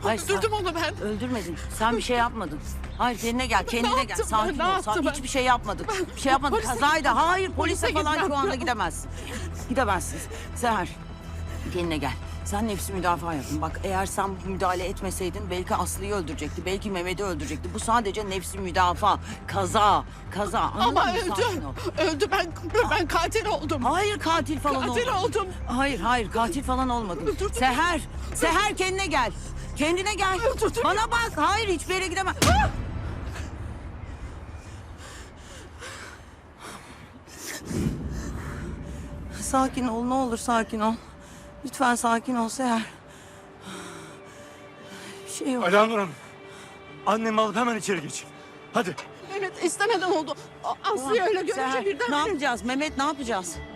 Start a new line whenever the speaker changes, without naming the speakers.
Hayır,
Öldürdüm onu ben.
Öldürmedin. Sen bir şey yapmadın. Hayır, kendine gel, kendine gel.
yaptım
Sakin
ben,
ol.
ne yaptım ben?
Hiçbir şey yapmadın. Bir şey yapmadın.
Polise
Kazaydı.
gitmem.
Hayır, polise
Polise
falan
gitmem.
şu anda gidemezsin. Gidemezsin. Seher, kendine gel. Sen nefsi müdafaa yaptın. Bak, eğer sen müdahale etmeseydin belki Aslı'yı öldürecekti. Belki Mehmet'i öldürecekti. Bu sadece nefsi müdafaa. Kaza. Anladın
Ama
mı?
öldü.
Sakin ol.
Öldü, ben katil oldum.
Hayır, katil falan
Katil
olmadın.
oldum.
Hayır, katil falan olmadın.
Öldürdüm.
Seher kendine gel. Kendine gel.
Öldürdüm.
Bana bak. Hayır, hiçbir yere gidemem. Sakin ol, ne olur sakin ol. Lütfen sakin ol Seher. Bir şey yok.
Alanur Hanım. Annemi alıp hemen içeri geçin. Hadi.
Evet, istemeden oldu. Aslı'yı öyle görünce
Seher,
birden...
ne yapacağız? Mehmet, ne yapacağız?